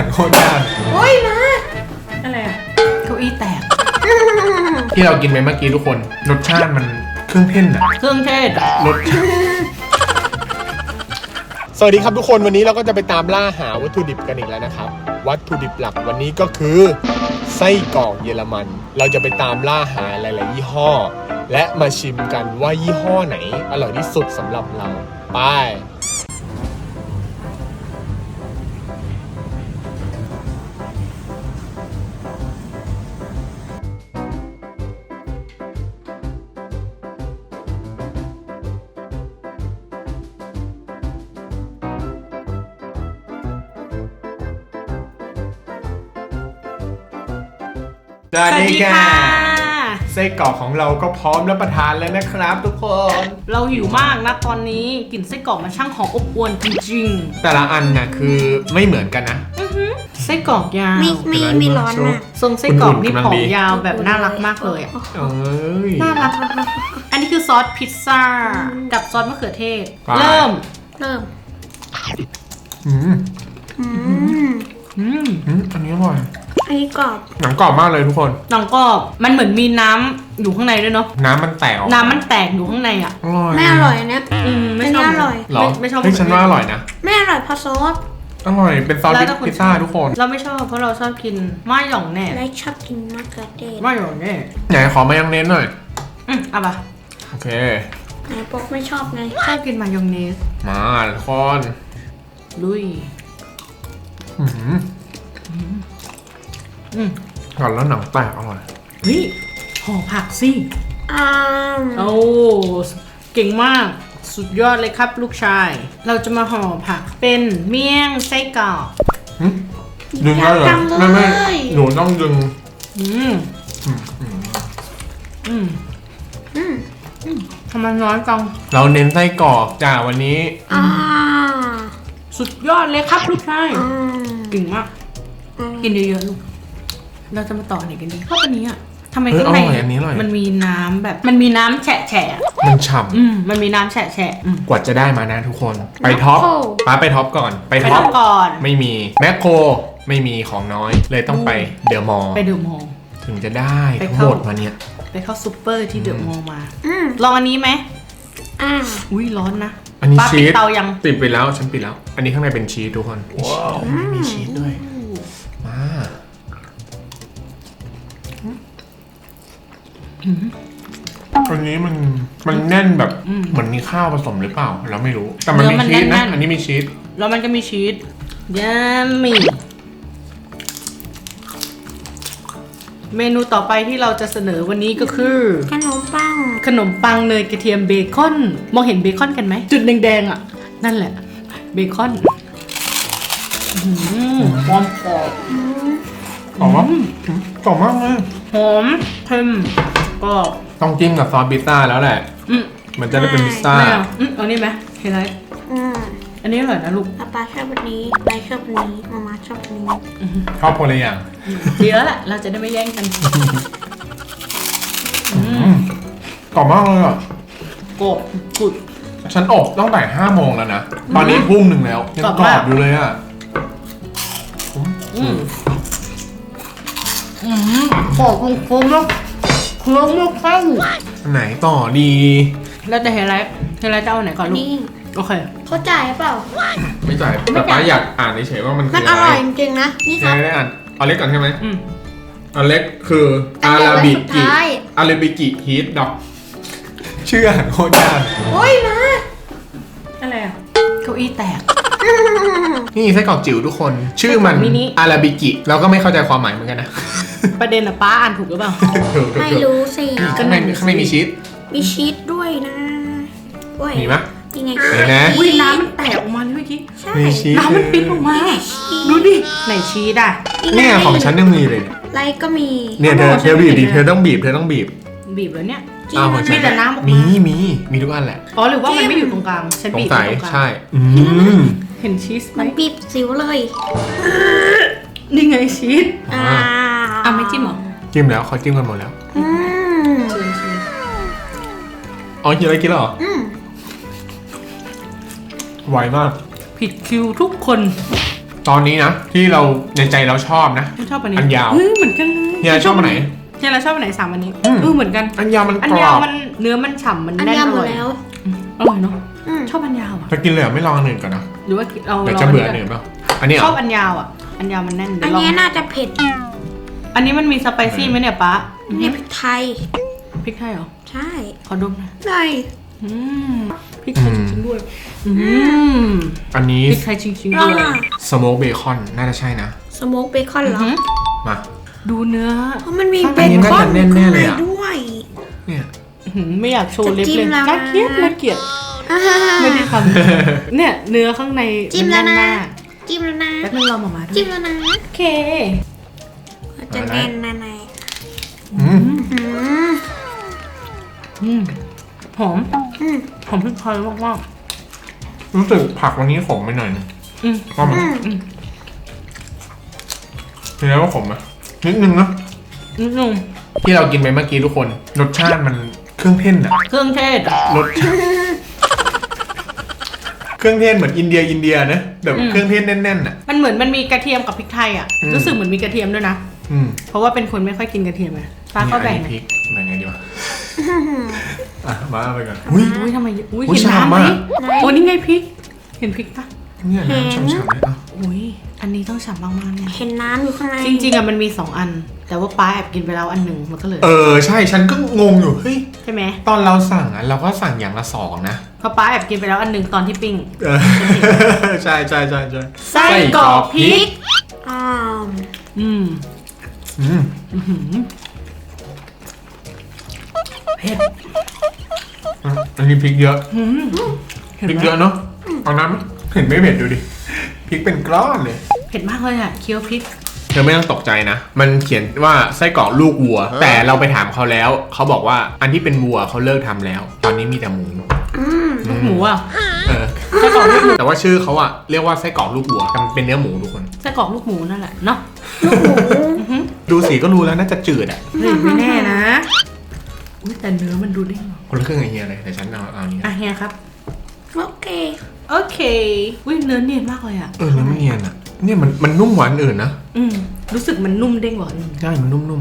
โคตรยากโอ้ยมาอะไรอ่ะเก้าอี้แตกที่เรากินไปเมื่อกี้ทุกคนรสชาติมันเครื่องเทศอะเครื่องเทศอ่ะรสชาติสวัสดีครับทุกคนวันนี้เราก็จะไปตามล่าหาวัตถุดิบกันอีกแล้วนะครับวัตถุดิบหลักวันนี้ก็คือไส้กรอกเยอรมัน เราจะไปตามล่าหาหลายๆยี่ห้อ และมาชิมกันว่ายี่ห้อไหนอร่อยที่สุดสำหรับเราไปสวัสดีค่ะไส้กรอกของเราก็พร้อมรับประทานแล้วนะครับทุกคนเราหิวมากนะตอนนี้กลิ่นไส้กรอกมันช่างหอมอบอวลจริงแต่ละอันน่ะคือไม่เหมือนกันนะๆไส้กรอกยาวไม่ร้อนมากทรงไส้กรอกนี่กำลังผอดีมยาวแบบน่ารักมากเลยอ่ะเอ้ยน่ารักอันนี้คือซอสพิซซ่ากับซอสมะเขือเทศไปเริ่มอืมอืมอันนี้อร่อยอันนี้กรอบหนังกรอบมากเลยทุกคนหนังกรอบมันเหมือนมีน้ำอยู่ข้างในด้วยเนาะน้ำมันแตกออกน้ำมันแตกอยู่ข้างในอ่ะอร่อยไม่อร่อยนะไม่ชอบอันนี้อร่อยเหรอไม่ชอบเฮ้ยฉันว่าอร่อยนะไม่อร่อยเพราะซอสอร่อยเป็นซอสแล้วแต่คนพิซซ่าทุกคนเราไม่ชอบเพราะเราชอบกินม่าหย่องแน่และชอบกินมะเขือเทศม่าหย่องแน่ไหนขอมายองเนสหน่อยเอาปะโอเคไหนปกไม่ชอบไงชอบกินมายองเนสมาทุกคนลุยก่อนแล้วหนังแตกอร่อยเฮ้ยห่อผักสิอ้าวโอ้เก่งมากสุดยอดเลยครับลูกชาย เราจะมาห่อผักเป็นเมี่ยงไส้กรอกดึงได้เลยไม่หนูต้องดึงอืมทำไมน้อยจังเราเน้นไส้กรอกจ้าวันนี้อ้าวสุดยอดเลยครับลูกชายอืมเก่งมากกินเยอะๆลูกเราจะมาต่อไหนกันดีเพราะวันนี้อ่ะทำไมเออข้างในอร่อยอันนี้อร่อยมันมีน้ำแบบมันมีน้ำแฉะแฉะมันฉ่มันมีน้ำแฉะแฉะำกว่าจะได้มานะทุกคน ไปท็อปป้าไปท็อปก่อน ไปไปท็อปทำก่อนไม่มีแมคโครไม่มีของน้อย เลยต้องไปเดอะมอลล์ไปเดอะมอลล์ถึงจะได้ไปทั้งเข้าหมดมาเนี่ยไปเข้าซูเปอร์ที่เดอะมอลล์มาอืมลองอันนี้ไหมอ้าวอุ้ยร้อนนะอันนี้ป้าชีปิดสเตายังปิดไปแล้วฉันปิดแล้ว อันนี้ข้างในเป็นชีสทุกคนว้าวมีชีสด้วยมาอันนี้มันแน่นแบบเหมือนมีข้าวผสมหรือเปล่าเราไม่รู้แต่มันมีชีสนะอันนี้มีชีสแล้วมันก็มีชีสยัมมี่เมนูต่อไปที่เราจะเสนอวันนี้ก็คือขนมปังขนมปังเนยกระเทียมเบคอนมองเห็นเบคอนกันไหมจุดแดงๆอ่ะ นั่นแหละเบคอนหอมกรอบกรอบมากกรอบมากเลยหอมเค็มกรอบต้องจิ้มกับซอสพิซซ่าแล้วแหละ มันจะได้เป็นพิซซ่าไม่เอาเอานี่ไหมเฮไลท์อืมอันนี้อร่อยนะลูกป๊าชอบวันนี้ไปชอบวันนี้มาชอบวันนี้ชอบคนละอย่างดีแล้วแหละเราจะได้ไม่แย่งกันกรอบมากเลยอ่ะกรอบสุดฉันอบตั้งแต่5 โมงแล้วนะ ตอนนี้ทุ่มหนึ่งแล้วยังกรอบกรอมาบกอยู่เลยอ่ะกรอบคมๆแล้วเครื่องไม่เข้าอันไหนต่อดีแล้วแต่เฮไลท์จะเอาไหนก่อนลูกนี่โอเคเขาจ่ายเปล่าไม่จ่ายแต่ป้าอยากอ่านเฉยๆว่ามันคืมัอน อะอไรร่อยจริงๆนะ นี่ครับไม่ได้อ่านเอาเล็กก่อนใช่ไหมอืมอันเล็กคืออัอานใหญ่ราไว้บิสุดกิท้ายอาราบิกิฮีทดอกชื่ออาหารโคตรยากโอ้ยมาอะไรอ่ะเก้าอี้แตกนี่ไส้กรอกจิ๋วทุกคน ชื่อมันมินิอาราบิกิเราก็ไม่เข้าใจความหมายเหมือนกันนะประเด็นอะป้าอ่านถูกหรือเปล่าถูกๆๆไม่รู้สิข้างในมีชีสมีชีสด้วยนะด้วยมีไหมยังไงมีนะอุ้ยน้ำมันแตกออกมาเลยเมื่อกี้ใช่มีชีสน้ำมันปิ๊กออกมา ดูดิไหนชีสอ่ะเนี่ยของฉันยังมีเลยไลค์ก็มีเนี่ยเธอเอาเธอบีบดิฉันไม่เห็นเธอต้องบีบเธอต้องบีบบีบแล้วเนี่ยจริงอ้าวของฉัมีแต่น้ำออกมามีทุกอันแหละอ๋อหรือว่ามันไม่อยู่ตรงกลางฉันสงบีบสัยตรงกลางใช่เห็นชีสไหมมันบีบสิวเลยนี่ไงชีสอ่าอ่ะไม่จิ้มเหรอจิ้มแล้วเขาจิ้มกันหมดแล้วอืมเชิญชีสอ๋อกินอะไรกินแล้วเหรออืมไวมากผิดคิวทุกคนตอนนี้นะที่เราในใจเราชอบนะไม่ชอบอันนี้อันยาวเหมือนกันเลยเฮียชอบอันไหนเนี่ยเราชอบอันไหน3อันนี้อืมเหมือนกันอันยาวมันอันกรยาอวบมันเนื้อมันฉ่ำมันอันแน่นยาวอหมร่ดอยแล้วอร่อยเนาะอืมชอบอันยาวอ่ะจะกินเลยเหรอไม่ลองอันอื่นก่อนนะหรือว่าเราเดี๋ยวจะเบื่ออันอื่นเปล่าอันนี้เหรชอบออันยาวอ่ะอันยาวมันแน่นเดี๋อัยนวลองนี้น่าจะเผ็ดอันนี้มันมีสไปซี่ไหมเนี่ยป๊านี่พริกไทยพริกไทยเหรอใช่ขอดมหน่อยได้อืมพริกไทยจริงๆด้วยอืมอันนี้พริกไทยจริงๆลอด้งวยอ่ะสโมกเบคอนน่าจะใช่นะสโมกเบคอนเหรออือหือมาดูเนื้อเพราะมันมีข้างเบในนี่คอนน่าจะแน่นๆเลยอะด้วยเนี่ยอื้อหือไม่อยากโชว์เล็บจะจิ้เลยมแล้วนะน่าเกลียดน่าเกลียดอ่าไม่ได้ทำเนี่ยเนื้อข้างในจิ้มแล้วนะแน่นมากจิ้มแล้วนะแป๊บนึงรอมาด้วยจิ้มแล้วนะโอเคจะแน่นนะนายอืมอืมอืมหอมอืมหอมพริกไทยมากรู้สึกผักวันนี้ขมไปหน่อยนะๆอืมว่ามันอืมเห็นแล้วว่าขมไหมนิดนึงนะนิดนึงที่เรากินไปเมื่อกี้ทุกคนรสชาติมันเครื่องเทศอะเครื่องเทศอ่ะรสชาติเครื่องเทศเหมือนอินเดียนะแบบเครื่องเทศแน่นๆอะมันเหมือนมันมีกระเทียมกับพริกไทยอ่ะอืมรู้สึกเหมือนมีกระเทียมด้วยนะอืมเพราะว่าเป็นคนไม่ค่อยกินกระเทียมอะป้าก็แบ่งนี่อันนี้พริกแบ่งไงดีวะอ่ะมาไปก่อนอุ้ยทำไมอุ้ยอุ๊ยเห็นน้ำไหมฉ่ำมากโอ้นี่ไงพริก เห็นพริกปะเนี่ยน้ำฉ่ำๆเลยอ่ะอุ้ยอันนี้ต้องฉ่ำมากๆเนี่ยเห็นน้ำอยู่ข้างในจริงๆอ่ะมันมี2อัน แต่ว่าป้าแอบกินไปแล้วอันหนึ่งมันก็เหลยใช่ฉันก็งงอยู่เฮ้ยใช่ไหมตอนเราสั่งอ่ะเราก็สั่งอย่างละ2นะเพราะป้าแอบกินไปแล้วอันหนึ่งตอนที่ปิ้งเออใช่ใช่ใช่ใช่ไส้กรอกพริกอ่าอืมอืมอื้อหือเผ็ดอันนี้พริกเยอะหืมเห็นพริกไหมเยอะเนาะเอาน้ำเห็นไม่เผ็ดดูดิพริกเป็นก้อนเลยเผ็ดมากเลยอ่ะเคี้ยวพริกเธอไม่ต้องตกใจนะ มันเขียนว่าไส้กรอกลูกวัว แต่เราไปถามเขาแล้ว เขาบอกว่าอันที่เป็นวัวเขาเลิกทำแล้ว ตอนนี้มีแต่หมูลูกหมูอ่ะเออไส้กรอกลูกหมูแต่ว่าชื่อเขาอะเรียกว่าไส้กรอกลูกวัวแต่มันเป็นเนื้อหมูทุกคนไส้กรอกลูกหมูนั่นแหละเนาะดูสีก็รู้แล้วน่าจะจืดอะเฮ้ยไม่แน่นะอุ้ยแต่เนื้อมันดูเด้งคนละครึ่งไอเฮียเลยแต่ฉันเอาอันนี้อ่ะเฮียครับโอเคโอเคอุ้ยเนื้อเนียนมากเลยอ่ะเนื้อมันเนียนอะเนี่ยมันนุ่มกว่าอันอื่นนะอืมรู้สึกมันนุ่มเด้งกว่าอันอื่นใช่มันนุ่ม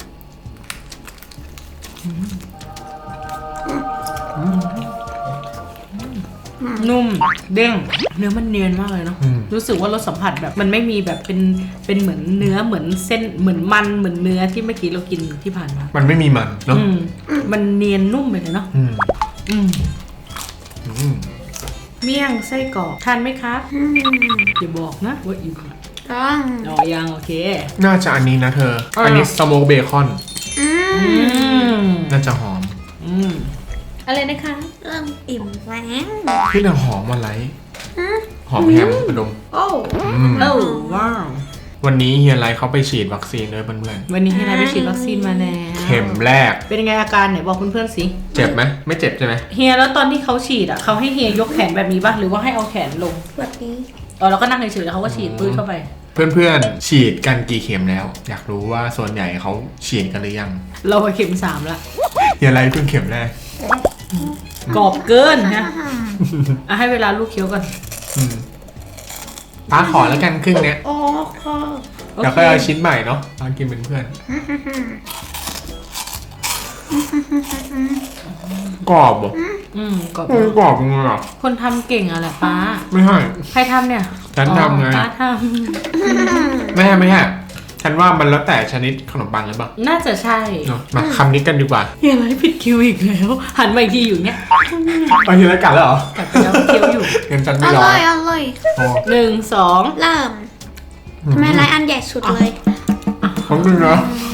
นุ่มเด้งเนื้อมันเนียนมากเลยเนาะอืมรู้สึกว่ารสสัมผัสแบบมันไม่มีแบบเป็นเหมือนเนื้อเหมือนเส้นเหมือนมันเหมือนเนื้อที่เมื่อกี้เรากินที่ผ่านมามันไม่มีมันเนาะอืมมันเนียนนุ่มไปเลยเนาะอืมอืมอืมเมี่ยงไส้กรอกทานไหมครับอืมอย่าบอกนะว่าอิ่มต้องอ๋อยังโอเคน่าจะอันนี้นะเธออ่าอันนี้สโมกเบคอนอือืมมน่าจะหอมอืมอะไรนะคะเริ่มอิ่มแล้วที่น่าหอมอะไรอืมหอมแฮมกระดมโอ้อืมโอ้ว้าววันนี้เฮียไรเขาไปฉีดวัคซีนด้วยเพื่อนวันนี้ให้นายไปฉีดวัคซีนมาแล้วๆเข็มแรกเป็นยังไงอาการไหนบอกเพื่อนๆสิเจ็บไหมไม่เจ็บใช่ไหมเฮียแล้วตอนที่เขาฉีดอ่ะเขาให้เฮียยกแขนแบบนี้ป่ะหรือว่าให้เอาแขนลงแบบนี้เราก็นั่งเฉยๆแล้วเขาก็ฉีดปื้ดเข้าไปเพื่อนๆฉีดกันกี่เข็มแล้ว อยากรู้ว่าส่วนใหญ่เขาฉีดกันหรือยังเราไปเข็ม3ละเฮียไรเพิ่งเข็มแรกกรอบเกินนะอ่ะให้เวลาลูกเคี้ยวก่อนอืมป้าขอแล้วกันครึ่งเนี้ยโอ้โหโอแล้วเคก็เอาชิ้นใหม่เนาะป้ากินเป็นเพื่อนกรอบเหรอกรอบกรอบจริงเหรอคนทำเก่งอะแหละป้าไม่ใช่ใครทำเนี่ยฉันทำไงอ๋อป้าทไม่ใช่ฉันว่ามันแล้วแต่ชนิดขนมปังหรือเปล่าำน่าจะใช่เนาะมาคำนี้กันดีกว่าเฮียอะไรผิดคิวอีกแล้ว หันมาอีกทีอยู่เนี้ยเอาทีละกันแล้วเหรอกัดไปแล้วเคี้ยวอยู่เงินฉันอไม่รอร่อยอร่อยโอ้ 1 2 เริ่มทำไมไรอันใหญ่สุดเลยขอบคุณนะ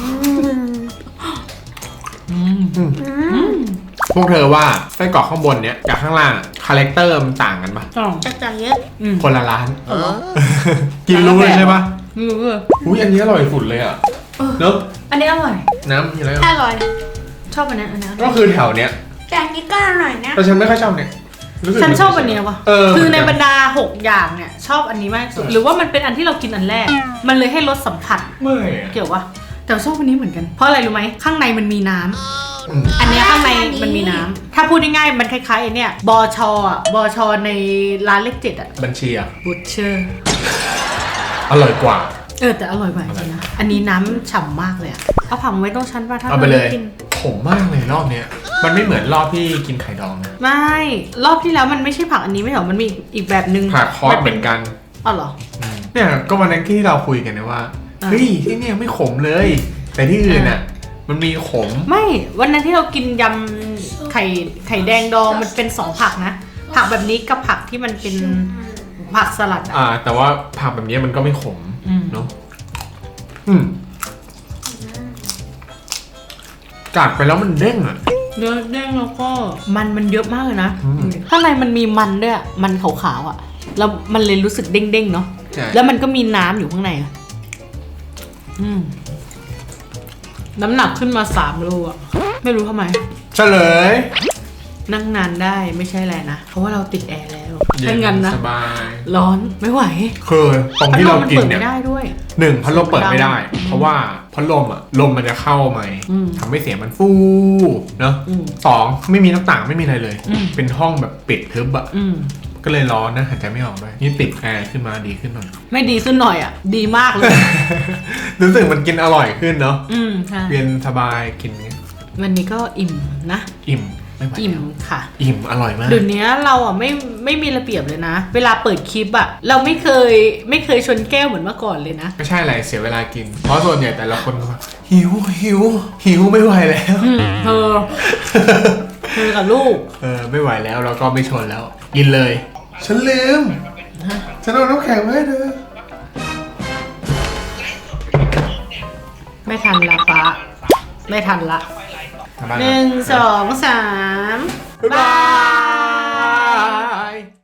พวกเธอว่าไส้กรอกข้างบนเนี้ยกับข้างล่างคาแรคเตอร์มันต่างกันปะจะจ่ายเยอะคนละร้าน กินรู้เลยใช่ปะไม่รู้เลยอุ้ยอันนี้อร่อยสุดเลยอ่ะเนอะอันนี้อร่อยน้ำมีอะไรอร่อยชอบอันนี้อันนี้อร่ก็อยคือแถวเนี้ยแต่อันนี้ก็อร่อยนะแต่ฉันไม่ค่อยชอบเนี่ยรู้สึกฉันชอบอันเนี้ยว่ะเออคือในบรรดา 6 อย่างเนี่ย ชอบอันนี้มากที่สุด หรือว่ามันเป็นอันที่เรากินอันแรก มันเลยให้รสสัมผัสเมื่อยอะเกี่ยววะแต่ชอบอันนี้เหมือนกัน เพราะอะไรรู้ไหมข้างในมันมีน้ำอืมอันเนี้ยข้างในมันมีน้ำถ้าพูดง่ายๆมันคล้ายๆไอ้เนี่ยบชอ่ะบชในร้านเลข7อ่ะบัญชีอ่ะบูชเชอร์อร่อยกว่าแต่อร่อยกว่าจริงๆนะ อันนี้น้ำฉ่ำมากเลยอะเอาผักไว้ตรงชั้นป่ะถ้าเอาไปเลยกินขมมากเลยรอบเนี้ยมันไม่เหมือนรอบที่กินไข่ดองนะไม่ รอบที่แล้วมันไม่ใช่ผักอันนี้ไม่เหรอ มันมีอีกแบบนึงผักคอสเหมือนกันอ๋อเหรอเนี่ยก็วันนั้นที่เราคุยกันนะว่าอ่าเฮ้ยที่เนี่ยไม่ขมเลย แต่ที่อื่นน่ะมันมีขมไม่ วันนั้นที่เรากินยำไข่แดงดองมันเป็น2ผักนะ ผักแบบนี้กับผักที่มันเป็นผักสลัดอะแต่ว่าผักแบบนี้มันก็ไม่ขม เนาะกัดไปแล้วมันเด้งอ่ะเนื้อแดงแล้วก็มันเยอะมากเลยนะอืมข้างในมันมีมันด้วยอะมันขาวๆอ่ะ แล้วมันเลยรู้สึกเด้งๆเนาะใช่แล้วมันก็มีน้ำอยู่ข้างในอะน้ำหนักขึ้นมา3 โลอ่ะ ไม่รู้ทำไมเฉลยนั่งนานได้ไม่ใช่อะไรนะ เพราะว่าเราติดแอร์แล้วไม่งั้นนะสบายร้อนไม่ไหวคือตรงที่เรากินพัดลมมัเนี่ยเปิดไม่ได้ด้วย 1พัดลมเปิดไม่ได้ เพราะว่าพัดลมอ่ะลมมันจะเข้าไหมอืมทำให้เสียงมันฟูเนาะอืม 2ไม่มีหน้าต่างไม่มีอะไรเลยอืมเป็นห้องแบบปิดทึบอ่ะอืมก็เลยร้อนนะหายใจไม่ออกด้วยนี่ติดแอร์ขึ้นมาดีขึ้นหน่อยไม่ดีขึ้นหน่อยอ่ะ ดีมากเลยรู้สึกมันกินอร่อยขึ้นเนาะใช่เย็นสบายกินเงี้ยวันนี้ก็อิ่มนะอิ่มไม่ไหวอิ่มแล้วค่ะอิ่มอร่อยมากเดี๋ยวนี้เราอ่ะไม่มีระเบียบเลยนะ เวลาเปิดคลิปอ่ะ เราไม่เคยชนแก้วเหมือนเมื่อก่อนเลยนะไม่ใช่อะไรเสียเวลากิน เพราะส่วนใหญ่แต่ละคนก็แบบหิวไม่ไหวแล้วเธอกับลูกไม่ไหวแล้วเราก็ไม่ชนแล้ว กินเลย ฉันลืมฉันเอาน้ำแข็งไว้ให้เธอไม่ทันละป้าไม่ทันละ 1 2 3 บ๊ายบาย